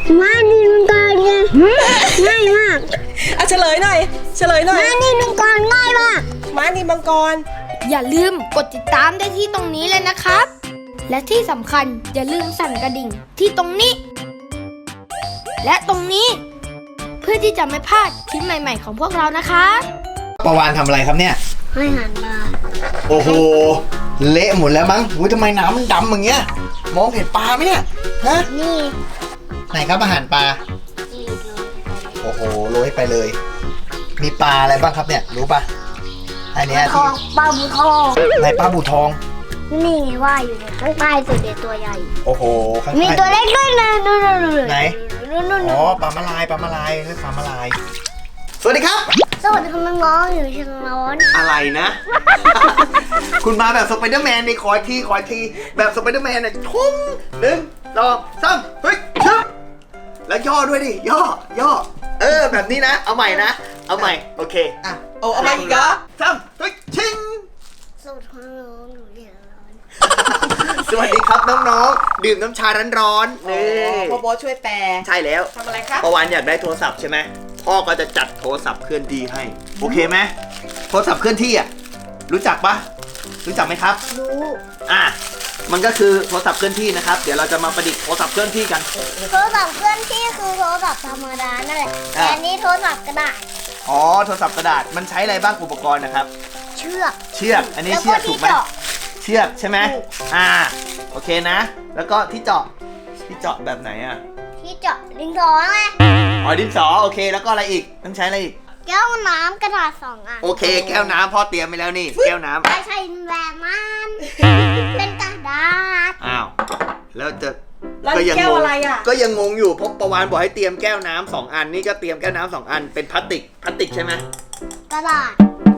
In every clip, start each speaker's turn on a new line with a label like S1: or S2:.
S1: ม้านินมังกรไงง่ายมาก
S2: เฉลยหน่อย
S1: ม้านินมังกรง่ายมาก
S2: ม้านินมังกร
S3: อย่าลืมกดติดตามได้ที่ตรงนี้เลยนะครับและที่สำคัญอย่าลืมสั่นกระดิ่งที่ตรงนี้และตรงนี้เพื่อที่จะไม่พลาดคลิปใหม่ๆของพวกเรานะคะ
S4: ประวานทำอะไรครับเนี่ย
S1: ให้อาหารปลา
S4: โอ้โหเละหมดแล้วมั้งทำไมน้ำมันดำอย่างเงี้ยมองเห็นปลาไหมเนี่ยฮะ
S1: นี่
S4: ไหนครับอาหารปลาโอ้โหโรยไปเลยมีปลาอะไรบ้างครับเนี่ยรู้ปะอันนี้ที่
S1: ปลาบูทอง
S4: ไหนปลาบูทอง
S1: นี่ไงว่าอยู่เนี่ยข้างใต้สุดเด็ดตัวใหญ่
S4: โอ้โหข้างใต้
S1: มีตัวเล็กด้วยนะนู่น
S4: ไหนอ๋อปลามาลายเรียกปลามาลายสวัสดีครับ
S1: สวัสดีคุณน้องอยู่เชียงราย
S4: อะไรนะ คุณมาแบบสไปเดอร์แมนนี่คอยทีแบบสไปเดอร์แมนเนี่ยทุ่ม1 2 3เฮ้ยชึบแล้วย่อด้วยดิย่อแบบนี้นะเอาใหม่นะเอาใหม่โอเค
S2: อ่ะเอาใหม่อีกเหรอ
S4: 3เฮ้ยชิง
S1: สวัสดีคุณน้องอยู่เชียงราย
S4: สวัสดีครับน้องๆดื่มน้ำชาร้อนๆนี่
S2: พ่อโบ๊ทช่วยแปล
S4: ใช่แล้ว
S2: ทำอะไรครับ
S4: ประวันอยากได้โทรศัพท์ใช่ไหมพ่อก็จะจัดโทรศัพท์เคลื่อนที่ให้โอเคไหมโทรศัพท์เคลื่อนที่อ่ะรู้จักปะรู้จักไหมครับ
S1: รู้
S4: มันก็คือโทรศัพท์เคลื่อนที่นะครับเดี๋ยวเราจะมาประดิษฐ์โทรศัพท์เคลื่อนที่กัน
S1: โทรศัพท์เคลื่อนที่คือโทรศัพท์ธรรมดานั่นแหละแต่อันนี้โทรศัพท์กระดาษ
S4: อ๋อโทรศัพท์กระดาษมันใช้อะไรบ้างอุปกรณ์นะครับ
S1: เชือก
S4: อันนี้เชือกถูกไหมเชือกใช่ไหมโอเคนะแล้วก็ที่เจาะแบบไหนอ่ะ
S1: ที่เจาะดินสอไง
S4: อ๋อดินสอโอเคแล้วก็อะไรอีกต้องใช้อะไรอีก
S1: แก้วน้ำกระดาษ2 อัน
S4: โอเคแก้วน้ำพ่อเตรียมไปแล้วนี่แก้วน้ำ
S1: ไม่ใช่แบบมันเป็นกระดาษ
S4: อ้าวแล้ว
S2: แก้วอะไรอ่ะ
S4: ก็ยังงงอยู่เพราะประวานบอกให้เตรียมแก้วน้ำ2 อันนี่ก็เตรียมแก้วน้ำ2 อันเป็นพลาสติกใช่ไหม
S1: กระดาษ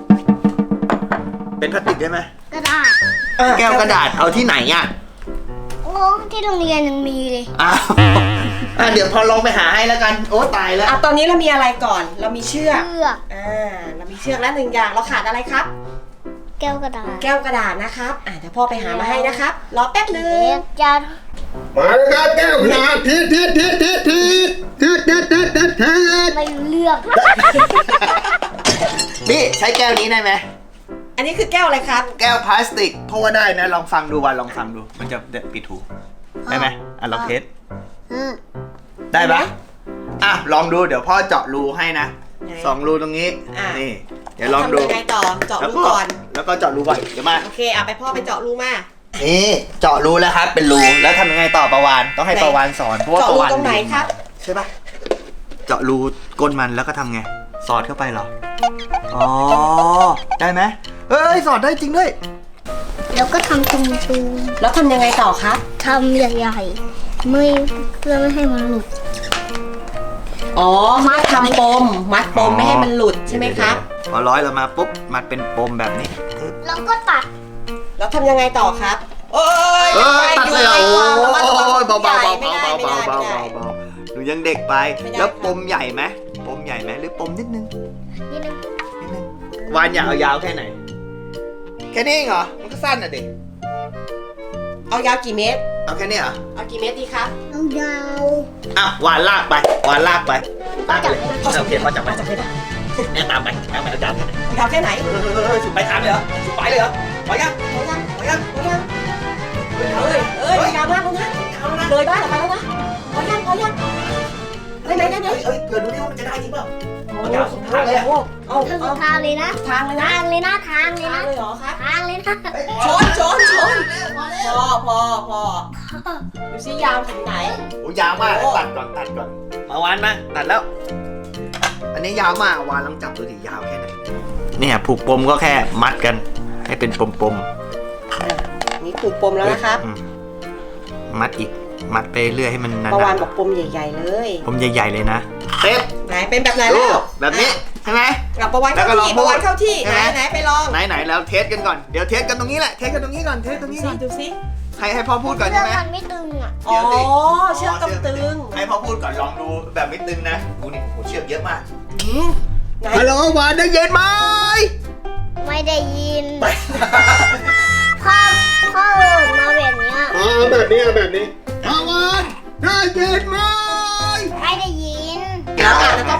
S4: เป็นพลาสติกได้ไหม
S1: กระดาษ
S4: แก้วกระดาษเอาที่ไหนอ่ะ
S1: โอ้ที่โรงเรียนยังมีเลย
S4: เดี๋ยวพอลองไปหาให้แล้วกันโอ้ตายแล้ว
S2: ตอนนี้เรามีอะไรก่อนเรามีเชือกเรามีเชือกแล้ว1 อย่างเราขาดอะไรครับ
S1: แก้วกระด
S2: าษนะครับเดี๋ยวพ่อไปหามาให้นะครับรอแป๊บนึง
S1: จะ
S4: มาเลยครับแก้วกระดาษที
S1: ไม่เลือก
S4: นี่ใช้แก้วนี้ได้ไหม
S2: อันนี้คือแก้วอะไรครับ
S4: แก้วพลาสติกเพราะว่าได้นะลองฟังดูวันลองฟังดูมันจะปิดหูได้ไหมลองเทสได้ปะลองดูเดี๋ยวพ่อเจาะรูให้นะ2 รูตรงนี้นี่เดี๋ยวลองดู
S2: ทำยังไงต่อเจาะรูก่อน
S4: แล้วก็เจาะรูก่อนเดี๋ยวมา
S2: โอเคไปพ่อไปเจาะรูมา
S4: นี่เจาะรูแล้วครับเป็นรูแล้วทำยังไงต่อประวานต้องให้ประวานสอนเพราะว่าประวาน
S2: ตรงไหนครับ
S4: ใช่ปะเจาะรูก้นมันแล้วก็ทำไงสอดเข้าไปเหรออ๋อได้ไหมสอดได้จริงด้วย
S1: แล้วก็ทำตรง
S2: แล้วทำยังไงต่อครับ
S1: ทำใหญ่ๆเพื่อไม่ให้มันหลุด
S2: มัดทำปมมัดปมไม่ให้มันหลุดใช่ไหมครับ
S4: พอร้อยเรามาปุ๊บมัดเป็นปมแบบนี้
S1: แล้วก็ตัด
S2: แล้วทำยังไงต่อครับ
S4: ตัดเลยเบาหนูยังเด็กไปแล้วปมใหญ่ไหมหรือปมนิดนึงวานอยากเอายาวแค่ไหนแค่นี้เหรอมันก็สั้นอ่ะเด็ก
S2: เอายาวกี่เมตร
S4: เอาแค่นี้เหรอ
S2: เอากี่เมตรดีครับ
S1: เอายาว
S4: วานลากไปลากเลยโอเคพ่อจับไปแม่ตามไปเอาจับ
S2: ยาวแค่ไหน
S4: สุดไปทางเลยเหรอสุดไปเลยเหรอพอยัง
S2: ยาวมากแล้วนะเลยบ้านออกไปแล้วนะพอยังไหน
S4: เผื่อดูดิว่ามันจะได้จริงเปล่า
S2: ทางเลย
S1: ทางเลยนะ
S2: ทางเลยเหรอครับ
S1: ทางเลยนะ
S2: ชนพอดูซิยาวถึงไหน
S4: โอ้ยาวมากตัดก่อนมาวานมาตัดแล้วอันนี้ยาวมากวานลองจับดูดิยาวแค่ไหนเนี่ยผูกปมก็แค่มัดกันให้เป็นปม
S2: นี่ผูกปมแล้วนะครับ
S4: มัดอีกมัดไปเรื่อยให้มันนานๆ
S2: ประวานบอกปมใหญ่ๆเลย
S4: ปมใหญ่ๆเลยนะ
S2: ไหนเป็นแบบไหนแล้ว
S4: แบบนี้ใช่ไหม
S2: กับประวานเข้าที่ไหนไปลอง
S4: ไหนแล้วเทสกันก่อนเดี๋ยวเทสกันตรงนี้แหละเทสกันตรงนี้ก่อน
S2: ดูสิ
S4: ให้พ่อพูดก่อนใช่ไหม
S1: เชือกมันไม่ตึง
S2: เชือกต้องตึง
S4: ให้พ่อพูดก่อนลองดูแบบไม่ตึงนะดูนี่เชือกเยอะมากฮัลโหลวานได้ยินไหม
S1: ไม่ได้ยินพ่อมาแบบนี้
S4: แบบนี้วานได้ยินไหม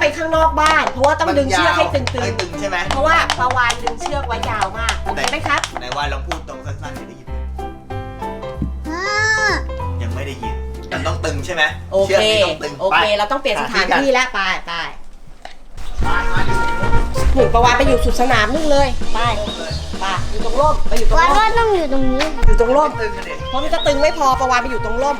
S2: ไปข้างนอกบ้าน เพราะว่าต้องดึงเชือกให้ตึง
S4: ให้ตึงใช่ไหม
S2: ๆเพราะว่าปลาวานดึงเชือกไว้ยาวมากโอเคไหมครับ
S4: ไหนว่าลองพูดตรงสั้นๆให้ได้ยิน
S1: พ่อ
S4: ยังไม่ได้ยินแต่ต้องตึงใช่ไหม
S2: โอ
S4: ชื
S2: เค
S4: กนี่ต้องตึง
S2: โอเค เราต้องเปลี่ยนสถานที่แล้วไป
S4: มาดิ
S2: หมุนปลาวานไปอยู่สุดสนามนู่นเลยไปอยู่ตรงร่มไปอยู่ตรง
S1: วัน
S2: ร่
S1: ว่าม ต้องอยู่ตรงนี้
S2: อยู่ตรงร่ม
S4: ตึงกันดิ
S2: เพราะมันจะตึงไม่พอปลาวานไปอยู่ตรงร่ม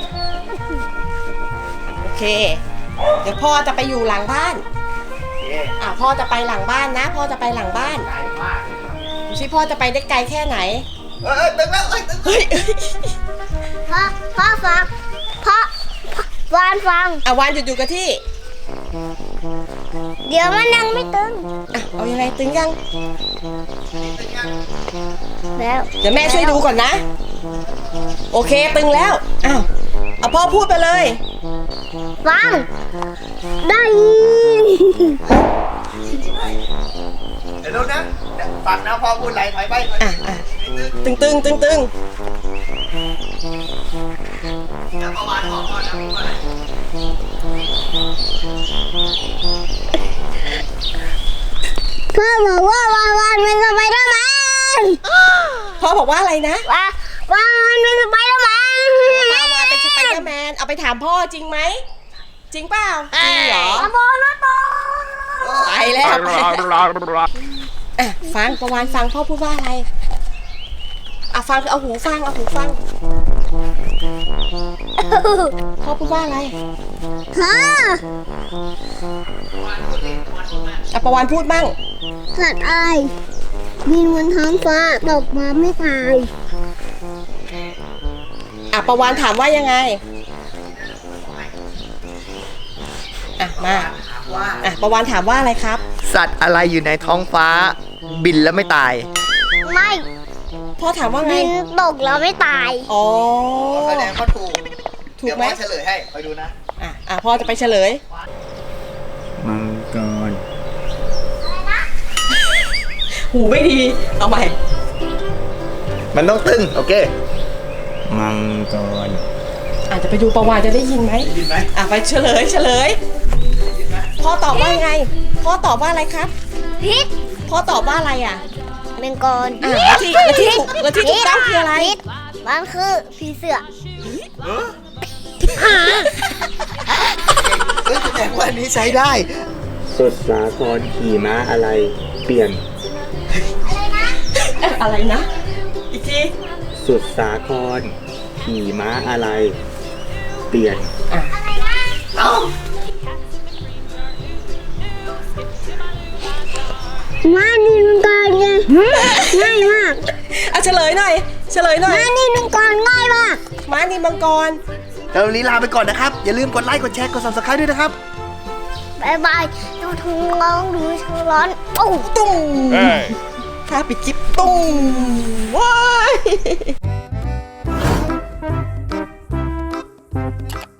S2: โอเค เดี๋ยวพ่อจะไปอยู่หลังบ้าน
S4: เย้
S2: พ่อจะไปหลังบ้านนะพ่อจะไปหลังบ้าน
S4: ใหญ่มาก
S2: ดูสิพ่อจะไปได้ไกลแค่ไหน
S4: ตึงแล้วตึง
S2: เฮ้ย
S1: พ่อฟังพ่อวานฟัง
S2: วานหยุดอยู่กับที่
S1: เดี๋ยวมันยังไม่ตึง
S2: เอายังไงตึงยัง
S1: แล้ว
S2: เดี๋ยวแม่ช่วยดูก่อนนะ โอเคตึงแล้วเอาพ่อพูดไปเลย
S1: ฟังได้ยิน
S4: เดี๋ยวดูนะฟังนะพอพูดอะไรถอยไป
S2: ตึงตึง
S4: แล้วประมาณออกก่อนนะพูดอะไร
S1: พ่อบอกว่าวานเป็นสไปเดอร์แมน
S2: พ่อบอกว่าอะไรนะ
S1: วานเป็นสไปเดอร์แมน
S2: ปลาวานเป็นสไปเดอร์แมนเอาไปถามพ่อจริงไหมจริงเปล่าจริงเหรอ
S1: โบนะโต
S2: ไปแล้วฟังปลาวานฟังพ่อพูดว่าอะไรฟังเอาหูฟังพ่อพูดว่าอะไร
S1: ฮะ
S2: ปลาวานพูดมั่ง
S1: สัตว์อะไรบินบนท้องฟ้าตกมาไม่ตาย
S2: ปลาวานถามว่ายังไงมา
S4: ว่า
S2: ปลาวานถามว่าอะไรครับ
S4: สัตว์อะไรอยู่ในท้องฟ้า บินแล้วไม่ตาย
S1: ไม่
S2: พ่อถามว่าไง
S1: บินตกแล้วไม่ตาย
S2: อ๋อ
S4: แสดงว่าถูก
S2: ถูกไหม
S4: เดี๋ยวพ่อเฉลยให้คอยดูนะ
S2: พ่อจะไปเฉลย
S4: มังกร
S2: หูไม่ดี เอาใหม่
S4: มันต้องตึงโอเค มังกร
S2: อาจจะไปดูประวัติจะได้ยินไหม
S4: ได้ยินไหม
S2: ไปเฉลย พ่อตอบว่าไง พ่อตอบว่าอะไรครับ
S1: พิษ
S2: พ่อตอบว่าอะไรอ่ะ
S1: เป็นกร
S2: แล้วที่ถูกต้องคืออะไร
S1: พิษมันคือผีเสือ
S4: แสดงว่านี้ใช้ได้
S5: สุดสาครขี่ม้าอะไร เปลี่ยน
S2: อะไรนะ อีกที
S5: สุดสาครขี่ม้าอะไร เปลี่ยน
S4: เอ้า
S1: มานี่มันกรไงง่ายมาก
S2: เฉลยหน่อย
S1: มานี่มันกรง่ายมาก
S2: ม้านินมังกร
S4: แล้ววันนี้ลาไปก่อนนะครับ อย่าลืมกดไลค์ กดแชร์ กด subscribe ด้วยนะครับ
S1: บายบายดูทุ่งร้องดูทุ่งร้อนโอ้
S2: ตุ้งถ้าปิดคลิปตุ้งว้าย